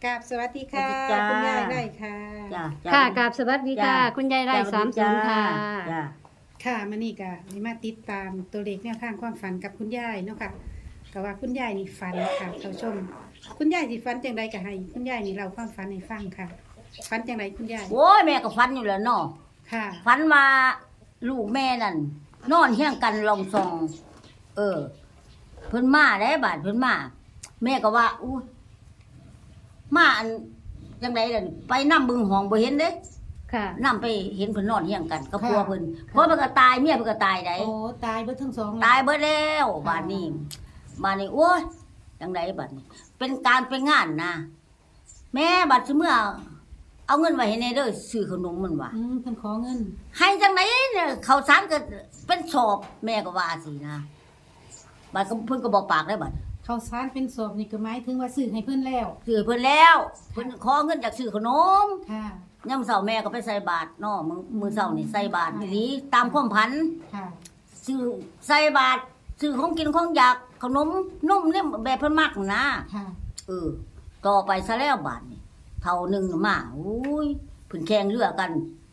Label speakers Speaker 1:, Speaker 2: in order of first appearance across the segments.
Speaker 1: กราบสวัสดีค่ะ
Speaker 2: สวัสดีจ้า
Speaker 1: คุณยายได้ค่ะ
Speaker 2: จ้า
Speaker 3: ค่ะกราบสวัสดีค่ะ
Speaker 2: จ้า
Speaker 3: คุณยายไร่30ค่ะ
Speaker 2: จ้า
Speaker 1: ค่ะมานี่ก็นี่มาติดตามตัวเลขแนวทางความฝันกับคุณยายเนาะค่ะก็ว่าคุณยายนี่ฝันค่ะท่านผู้ชม คุณยายสิฝันจังไดก็ให้คุณยายนี่เล่าความฝันให้ฟังค่ะฝันจังไดคุณยาย
Speaker 2: โอ้ยแม่ก็ฝันอยู่แล้วเนาะ
Speaker 1: ค่ะ
Speaker 2: ฝันว่าลูกแม่นั่นนอนเฮียงกันลองซอง เพิ่นมาได้บาดเพิ่นมาแม่ก็ว่าอู้มาอันจังไดล่ะไปนำบึงห้องบ่เห็นเด้
Speaker 3: ค่ะ
Speaker 2: นำไปเห็นเพิ่นนอนเฮียงกันกับผัวเพิ่นผัวเพิ่นก็ตายเมียเพิ่นก็ตายได้
Speaker 1: โอ้ตายเบิดทั้งสอง
Speaker 2: ตายเบิดแล้วบาดนี้โอ้ยจังไดบัดนี้ เป็นการเป็นงานนะแม่บัดสิเมื่อเอาเงินไว้ให้แน่เด้อซื้อขนมมันว่า
Speaker 1: เพิ่นขอเงิน
Speaker 2: ให้จังไหนเนี่ยข้าวสารก็เป็นสอบแม่ก็ว่าสินะบัดก็เพิ่นก็บอกปากได้บัด
Speaker 1: ข้าวสารเป็นศพนี่ก็หมายถึงว่าซื้อให้เพิ่นแล้ว
Speaker 2: ซื้อเพิ่นแล้วเพิ่นขอเงินจากซื้อขนม
Speaker 1: ค่ะ
Speaker 2: ยามเช้าแม่ก็ไปใส่บาตรเนาะมื้อเช้านี่ใส่บาตรอีหลีตามความพัน
Speaker 1: ค่ะ
Speaker 2: ซื้อใส่บาตรซื้อของกินของอยากขนมนมเนี่ยแบบเพิ่นมักนะ
Speaker 1: ค่ะ
Speaker 2: ต่อไปซะแล้วบาดนี่เท่านึงมาอุ้ยเพิ่นแข่งเรือกัน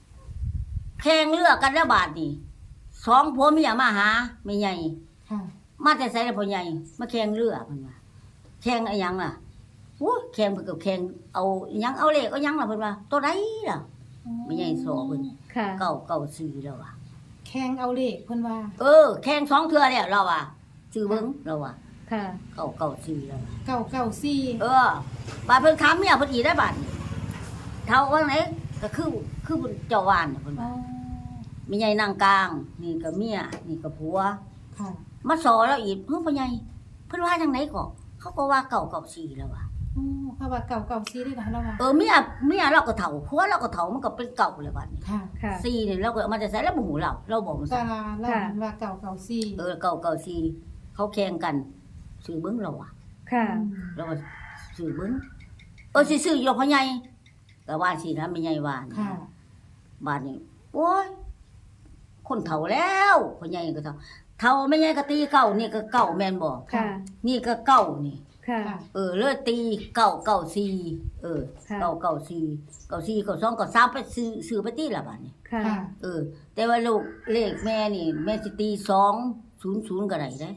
Speaker 2: แล้วบาดนี่สองผัวเมียมาหาแม่ใหญ่
Speaker 1: ค่ะ
Speaker 2: มาแต่ไสแล้วพ่อใหญ่มาแข่งเรือเพิ่นว่าแข่งอะไรหยังล่ะโอ้ยแข่งเพิ่นก็แข่งเอาอิหยังเอาเลขเอาหยังล่ะเพิ่นว่าตัวใดล่ะไม่ใหญ่สอเพิ่น
Speaker 3: ค่ะ
Speaker 2: เก่าซื้อแล้วว่ะ
Speaker 1: แข่งเอาเลขเพิ่นว่า
Speaker 2: แข่งสองเทื่อแล้วเราว่ะซื้อเบิ่งเราว่ะ
Speaker 3: ค่ะ
Speaker 2: เก่าซื้อแล้วว่ะ
Speaker 1: 994
Speaker 2: บาดเพิ่นถามเมียเพิ่นอีกได้บาดนี่เท่าว่าไหนก็คือเพิ่นเจ้าว่านน่ะเพิ่น
Speaker 1: อ๋อ
Speaker 2: ว่ามีใหญ่นางกลาง นี่ก็เมียนี่ก็ผัว
Speaker 1: ค่ะ
Speaker 2: มาสอแล้วอีกพ่อใหญ่เพิ่นว่าจังไดก็เขาก็ว่าเก่าสี่แล้วว่ะ
Speaker 1: อ๋อเขาว่า994ได้ล่ะแล้วว่า
Speaker 2: เมียเราก็เฒ่าผัวเราก็เฒ่ามันก็เป็นเก่าเลยบัดนี้
Speaker 1: ค่ะ
Speaker 3: ค่ะ
Speaker 2: สี่นี่เราก็เอามาจะใส่แล้วบ่หูเราบอกมัน
Speaker 1: ตา
Speaker 2: ซะ
Speaker 1: ลาเล่ามันว่า994
Speaker 2: เก่าสี่เขาแข่งกันซื้อเบิ่งเราอ่ะ
Speaker 3: ค่ะ
Speaker 2: เราก็ซื้อเบิ่งสิซื้ออยู่พ่อใหญ่ก็ว่าสินะแม่ใหญ่ว่านะ
Speaker 1: ค่ะ
Speaker 2: บาดนี้โอ้ยคนเฒ่าแล้วพ่อใหญ่ก็เฒ่าแม่ใหญ่ก็ตีเก่านี่ก็เก่าแม่นบ่
Speaker 3: ค่ะ
Speaker 2: นี่ก็เก่านี่
Speaker 3: ค่ะ
Speaker 1: ค่ะ
Speaker 2: เลยตีเก่าสี่
Speaker 3: ค่ะ
Speaker 2: เก่าสี่เก่าสองเก่าสามไปซื้อไปตีละบาดนี้
Speaker 3: ค่ะ
Speaker 1: ค่ะ
Speaker 2: แต่ว่าลูกเลขแม่นี่แม่สิตี200ก็ได้เด้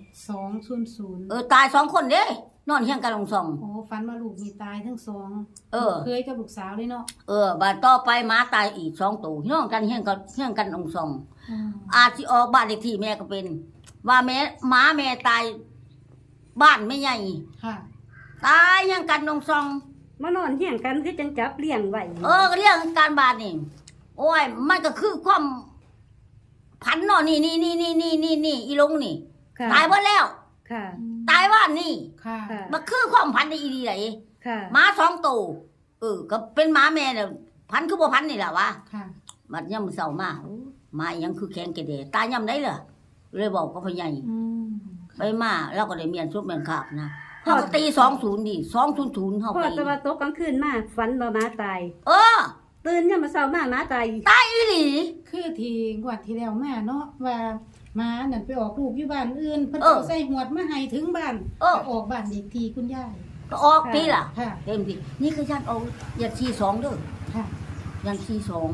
Speaker 1: 200
Speaker 2: ตาย2คนเด้นอนเฮียงกันลงซอง
Speaker 1: โอ้ฝันว่าลูกมีตายทั้งสอง
Speaker 2: เออ
Speaker 1: เคยกับลูกสาวเลยเนาะ
Speaker 2: บาดต่อไปหมาตายอีก2ตัวน้องกันเฮียงกันลงซอง
Speaker 1: อืม
Speaker 2: อาจสิออกบ้านเลขที่แม่ก็เป็น ว่าหมาแม่ตายบ้านไม่ใหญ่
Speaker 1: ค่ะ
Speaker 2: ตายเฮียงกันลงซอง
Speaker 3: มานอนเฮียงกันคือจังจับเลี้ยงไว้
Speaker 2: ก็เรื่องการบ้านนี่โอ้ยมันก็คือความพันเนาะนี่อีลงนี่
Speaker 3: ค่ะ
Speaker 2: ตายหมดแล้ว
Speaker 3: ค่ะ
Speaker 2: ตายว่านนี่
Speaker 1: ค่ะ
Speaker 3: ค่ะ
Speaker 2: มันคือความพันในอีดีไหน
Speaker 3: ค่ะ
Speaker 2: หมา2ตัวก็เป็นหมาแม่เนี่ยพันคือบ่พันนี่แหละวะ
Speaker 1: ค่ะ
Speaker 2: บัดย่ำเศร้ามาหมาอีหยังคือแข็งแกระเดตายย่ำได้เหรอเลยบอกกับพ่อใหญ่
Speaker 1: อืม
Speaker 2: ไปมาแล้วก็ได้เมียนซุบเมียนขาบนะเฮาก็ตี20ดิ200เฮา
Speaker 3: พอ
Speaker 2: ไป
Speaker 3: แตะวันตกกลางคืนมาฝันว่าหมาตาย
Speaker 2: เออ
Speaker 3: ตื่นยามมื้อเช้ามาหมาตาย
Speaker 2: ตายอีหลี
Speaker 1: คือที่งวดที่แล้วมาเนาะว่าหมานั่นไปออกลูกอยู่บ้านอื่นเพิ่น
Speaker 2: เออ
Speaker 1: เอาใส่หวดมาให้ถึงบ้าน
Speaker 2: เออ
Speaker 1: ไปออกบ้านเด็กทีคุณยาย
Speaker 2: ก็ออกปีล่ะ
Speaker 1: ค่ะ
Speaker 2: เต็มที่นี่คือยันเอายัน42เด้อ
Speaker 1: ค่ะ
Speaker 2: ยัน42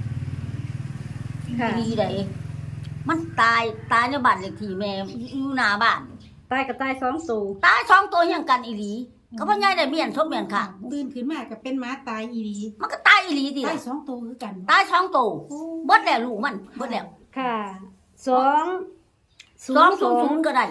Speaker 3: ค่ะ
Speaker 2: ดีใดมันตายในบ้านเลขที่แม่อยู่หน้าบ้าน
Speaker 3: ตายก็ตาย2ตัว
Speaker 2: ตาย2ตัวเฮียงกันอีหลีก็พ่อใหญ่ได้เมียนซบเมียนค่ะ
Speaker 1: ตื่นขึ้นมาก็เป็นหมาตายอีหลี
Speaker 2: มันก็ตายอีหลีติ
Speaker 1: ตาย
Speaker 2: ล่ะ
Speaker 1: 2ตัวคือกัน
Speaker 2: ตาย2ตัว
Speaker 1: โอ้
Speaker 2: เบิดแล้วลูกมันเบิดแล้ว
Speaker 3: ค่ะ
Speaker 2: 200ก็ได้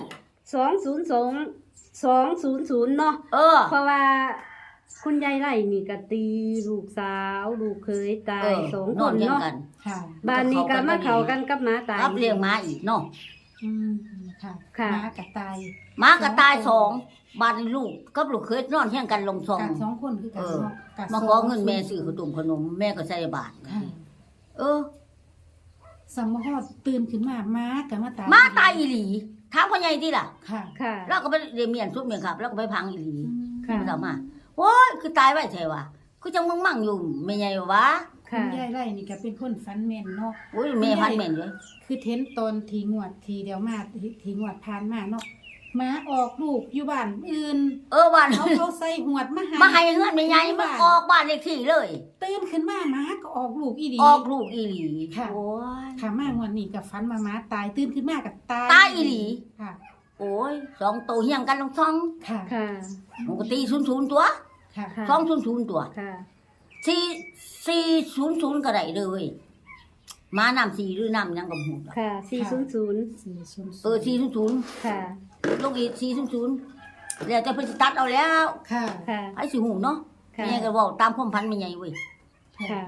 Speaker 3: 200เนาะ เพราะว่าคุณยายไร่นี่ก็ตีลูกสาวลูกเคยตาย2
Speaker 2: น
Speaker 3: ค
Speaker 2: อน
Speaker 3: น
Speaker 2: เฮียง
Speaker 3: เนาะ
Speaker 2: กัน
Speaker 1: ค่ะ
Speaker 3: บ้านนี้ก็มาเข้ากันกับหมาตาย
Speaker 2: รับเลี้ยงหมาอีกเนาะ
Speaker 1: อืมค่ะ
Speaker 3: ค่ะ
Speaker 1: หมากับตาย
Speaker 2: หมาก็ตาย2บ้านลูกกับลูกเคยนอนเฮียงกันลงซอง
Speaker 1: กัด2คนคือกันเนาะกัด
Speaker 2: มาขอเงินแม่ซื้อขนมแม่ก็ใส่บาท
Speaker 1: ค่ะ สมฮอดตื่นขึ้นมาม้ากับมาตาย
Speaker 2: หมาตายอีหลีถามพ่อใหญ่ติล่ะ
Speaker 1: ค่ะ
Speaker 3: ค่ะ
Speaker 2: แล้วก็ไปเรียนเมียนซุบเมียนครับ แล้วก็ไปพังอีหลี
Speaker 3: ค่ะ
Speaker 2: มันเอามาโอ้ยคือตายไว้แท้ว่ะคือจังมึงมั่งอยู่ไม่ใหญ่วะ
Speaker 1: คุ
Speaker 3: ค่ะ
Speaker 1: ณยายไร่นี่ก็เป็นคนฟันแม่นเนาะ
Speaker 2: โอ้ยแม่พันแม่นเลย
Speaker 1: คือเทนตอนทีงวดทีเดียวมาทีงวดผ่านมาเนาะหมาออกลูกอยู่บ้านอื่น
Speaker 2: บ้าน
Speaker 1: เขาใส่หวดมา
Speaker 2: มาให้เฮือนแม่ใหญ่มันออกบ้านเลขที่เลย
Speaker 1: ตื่นขึ้นมาหมาก็ออกลูกอีหลี
Speaker 2: ออกลูกอีหลี
Speaker 1: ค่ะ
Speaker 2: โอ้ย
Speaker 1: ค่ะมางวดนี้กับฟันมาหมาตายตื่นขึ้นมากับตาย
Speaker 2: ตายอีหลี
Speaker 1: ค่ะ
Speaker 2: โอ้ย2ตัวเฮียงกันลงท้อง
Speaker 1: ค่ะ
Speaker 3: ค่ะ
Speaker 2: มันก็ตี00ตัว
Speaker 1: ค่ะ
Speaker 3: ค่ะ
Speaker 2: 200ตัว
Speaker 3: ค่ะ
Speaker 2: 400ก็ได้เลยมานำ4หรือนำยังก็บ่ฮู้
Speaker 3: ค่ะ400
Speaker 2: 400
Speaker 3: ค่ะ
Speaker 2: ลงอีก400แล้วแต่เพิ่นสิตัดเอาแล้ว
Speaker 1: ค่ะ
Speaker 3: ค่ะ
Speaker 2: ไอ้สิฮู้เนาะ
Speaker 3: ค่ะ
Speaker 2: แม่ก็เว้าตามความพันแม่ใหญ่เว้ย
Speaker 3: ค่ะ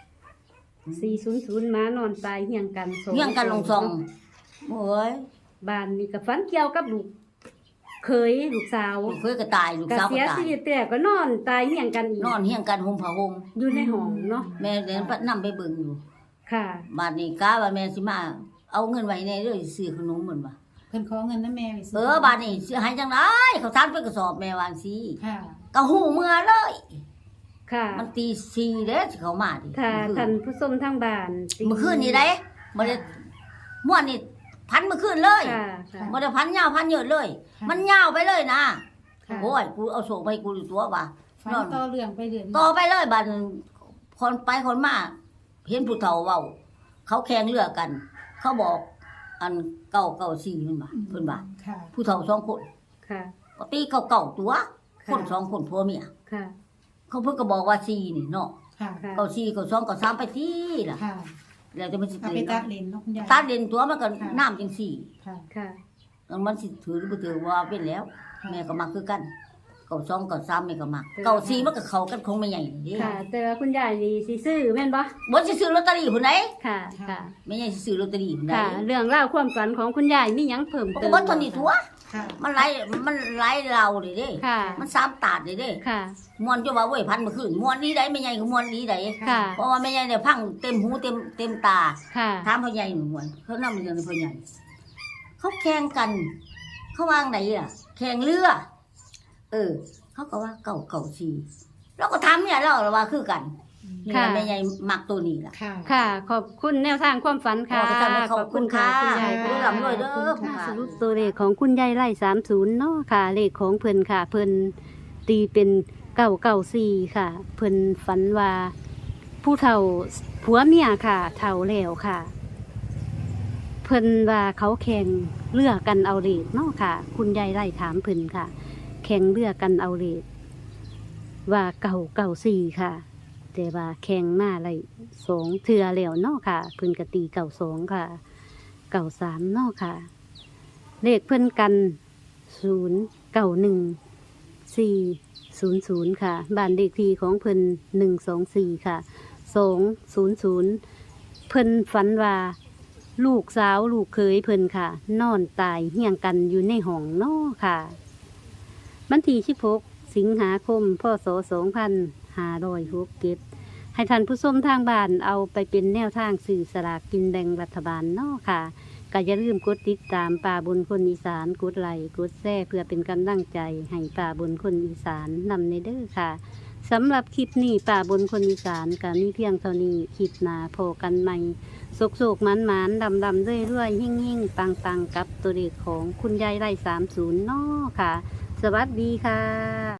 Speaker 3: 400ม้านอนตายเฮียงกันสอง
Speaker 2: เฮียงกันลงซองโอ้ย
Speaker 3: บ้านนี่ก็ฝันเกี่ยวกับลูกเคยลูกสาว
Speaker 2: ลูกเคยก็ตายลูก
Speaker 3: ก็
Speaker 2: สาวก็
Speaker 3: เสีย
Speaker 2: ตาย
Speaker 3: ชีวิตแต่ก็นอนตายเฮียงกันอีก
Speaker 2: นอนเฮียงกันห่มผ้าห่ม
Speaker 3: อยู่ในห้องเนาะ
Speaker 2: แม่เดินไปนำไปเบิ่งอยู่
Speaker 3: ค่ะ
Speaker 2: บาดนี้กะว่าแม่สิมาเอาเงินไว้ในเด้อซื้อขนมเหมือนว่า
Speaker 1: เพิ่นขอเงินนะแม่ไปซื้
Speaker 2: บาดนี้สิให้จังได๋เขาทานไปกระสอบแม่วาจั่งซี่
Speaker 1: ค่ะ
Speaker 2: ก็ฮู้เมื่อเลย
Speaker 3: ค่ะ
Speaker 2: มันตี4เด้อสิเขามาดิ
Speaker 3: ค่ะท่านผู้ชมทางบ้าน
Speaker 2: เมื่อคืนนี้ได้บ่ได้ม่วนนี่พันเมื่อคืนเลย
Speaker 3: ค่ะค่ะ
Speaker 2: บ่ได้พันยาวพันเยอะเลย
Speaker 1: ค่ะ
Speaker 2: มันยาวไปเลยนะ
Speaker 1: ค่ะ
Speaker 2: โอ้ยกูเอาโศกไปกูอยู่ตัวว่า
Speaker 1: ฟันต่อเรื่องไปเรื่อย
Speaker 2: ต่อไปเลยบัดคนไปคนมาเห็นผู้เฒ่าเว้าเขาแข่งเรือกัน เขาบอกอัน994มันว่าเพิ่นว่า
Speaker 1: ค่ะ
Speaker 2: ผู้เฒ่า2คน
Speaker 3: ค่ะ
Speaker 2: ก็ตีเขาเก่าตัว
Speaker 3: ค่ะ
Speaker 2: คน2คนผัวเมีย
Speaker 3: ค่ะ
Speaker 2: เขาเพิ่นก็บอกว่า4นี่เนาะ
Speaker 1: ค่ะ
Speaker 3: ค่ะ
Speaker 2: เก่า4เก่า2เก่า3ไปที่ล่ะ
Speaker 1: ค่ะ
Speaker 2: แล้วจะมันสิ
Speaker 1: เอาไปตัดเลนเนาะคุณยาย
Speaker 2: ตัดเด่นตัวมันก็น้ำจังซี่
Speaker 1: ค่ะ
Speaker 3: ค่ะ
Speaker 2: มันสิถือหรือบ่ถือว่าเป็นแล้ว
Speaker 1: ค่ะ
Speaker 2: แม่ก็มักคือกันเก่า2เก่า3แม่ก็มักเก่า4มันก็เข้ากันคงไม่ใหญ่เด้
Speaker 3: ค่ะ แต่ว่าคุณยายนี่สิซื้อแม่นบ่
Speaker 2: บ่สิซื้อลอตเตอรี่พุ่นใด
Speaker 3: ค่ะ ค่ะ
Speaker 2: แม่ใหญ่สิซื้อลอตเตอรี่พุ่นใด
Speaker 3: ค่ะ เรื่องเล่าวความฝันของคุณยายมีหยังเพิ่ม
Speaker 2: มัน
Speaker 3: เติ
Speaker 2: ก็
Speaker 3: ม
Speaker 2: บ่เท่านี้ตัว
Speaker 1: ค่ะ
Speaker 2: มันไหลเราเลยเด้
Speaker 3: ค่ะ
Speaker 2: มัน3ตาดเลยเด้
Speaker 3: ค่ะ
Speaker 2: ม่วนจะว่าเว้ยพันเมื่อคืนม่วนนี้ได้แม่ใหญ่ก็ม่วนนี้ได้
Speaker 3: ค่ะ
Speaker 2: เพราะว่าแม่ใหญ่เนี่ยพังเต็มหูเต็มตา
Speaker 3: ค่ะ
Speaker 2: ถามพ่อใหญ่หนูม่วนเขานำเรื่องพ่อใหญ่เขาแข่งกัน เขาวางไหนล่ะ แข่งเรือ เขาก็ว่าเก่าสีเราก็ทำเนี่ยเราว่าคือกันนี่
Speaker 3: ค่ะ
Speaker 2: แม่ใหญ่มักตัวนี้ล่ะ
Speaker 1: ค่ะ
Speaker 3: ค่ะ ขอบคุณแนวทางความฝันค่ะ
Speaker 2: ขอบคุณค่ะ
Speaker 3: คุณยาย
Speaker 2: ด้วยลำด้วยเด้อ
Speaker 3: ขอบคุณค่ะ
Speaker 2: ค่ะ
Speaker 3: สรุปตัวเลขของคุณยายไล่30เนาะค่ะ เลขของเพิ่นค่ะ เพิ่นตีเป็น994ค่ะ เพิ่นฝันว่าผู้เฒ่าผัวเมียค่ะ เฒ่าแล้วค่ะ เพิ่นว่าเขาแข่งเรือกันเอาเลขเนาะค่ะ คุณยายไล่ถามเพิ่นค่ะ แข่งเรือกันเอาเลขว่า994ค่ะ แต่ว่าแข่งมาไล่2เทื่อแล้วเนาะค่ะ เพิ่นก็ตี92ค่ะ93เนาะค่ะ เลขเพิ่นกัน091400ค่ะบ้านเลขที่ของเพิ่น124ค่ะ200เพิ่นฝันว่าลูกสาวลูกเคยเพิ่นค่ะ นอนตายเฮียงกันอยู่ในห้องเนาะค่ะวันที่16สิงหาคมพศ2567ให้ท่านผู้ชมทางบ้านเอาไปเป็นแนวทางสื่อสลากกินแบ่งรัฐบาลเนาะค่ะก็อย่าลืมกดติดตามป่าบนคนอีสานกดไลค์กดแชร์เพื่อเป็นกำลังใจให้ป่าบนคนอีสานนำในเด้อค่ะสำหรับคลิปนี้ป่าบนคนอีสานก็มีเพียงเท่านี้คลิปหน้าพบกันใหม่โศกๆหมันๆดำๆเรื่อยๆหิ่งๆปังๆกับตัวเลขของคุณยายไร่30เนาะค่ะ สวัสดีค่ะ